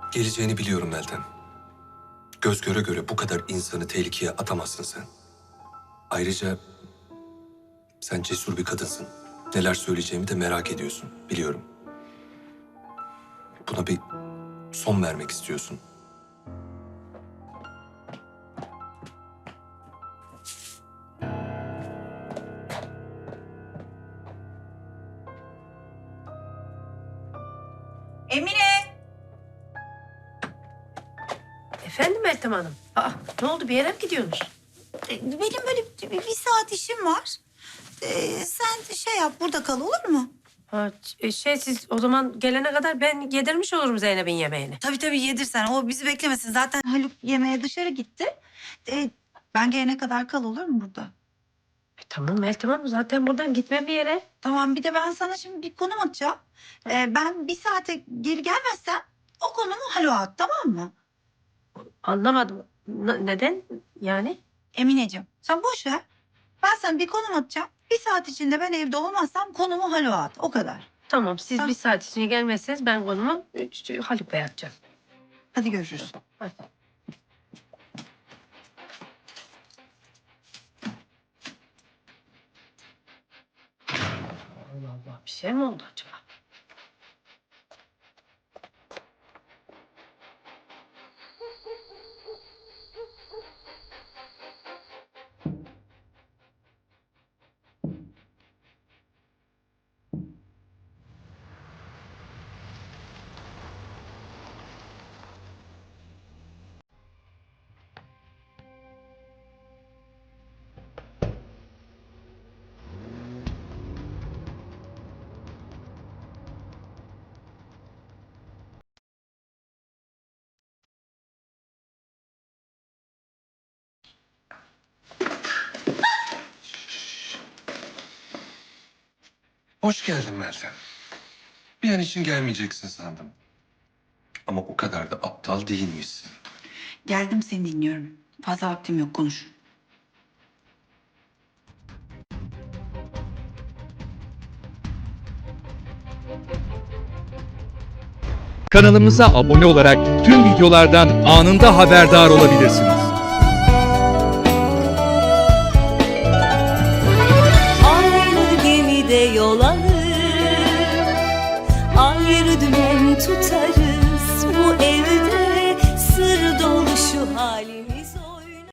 Geleceğini biliyorum Meltem. Göz göre göre bu kadar insanı tehlikeye atamazsın sen. Ayrıca sen cesur bir kadınsın. Neler söyleyeceğimi de merak ediyorsun, biliyorum. Buna bir son vermek istiyorsun. Emine! Efendim Meltem Hanım? Ne oldu, bir yere mi gidiyorsunuz? Benim böyle bir saat işim var. Sen şey yap, burada kal olur mu? Siz o zaman gelene kadar ben yedirmiş olurum Zeynep'in yemeğini. Tabii yedirsen. O bizi beklemesin. Zaten Haluk yemeğe dışarı gitti. Ben gelene kadar kal olur mu burada? Tamam Meltem Hanım, zaten buradan gitmem bir yere. Tamam, bir de ben sana şimdi bir konum atacağım. Ben bir saate geri gelmezsem o konumu Haluk'a at, tamam mı? Anlamadım. Neden yani? Emineciğim sen boş ver. Ben sana bir konum atacağım. Bir saat içinde ben evde olmazsam konumu Haluk'a at. O kadar. Tamam, siz Tamam. bir saat içinde gelmezseniz ben konumu Haluk Bey'e atacağım. Hadi görüşürüz. Hadi. Allah Allah, bir şey mi oldu acaba? Hoş geldin Meltem. Bir an için gelmeyeceksin sandım. Ama o kadar da aptal değilmişsin. Geldim, seni dinliyorum. Fazla vaktim yok, konuş. Kanalımıza abone olarak tüm videolardan anında haberdar olabilirsiniz. Aynı gemide yol alır, ayrı dümen tutarız. Bu evde sır dolu şu halimiz.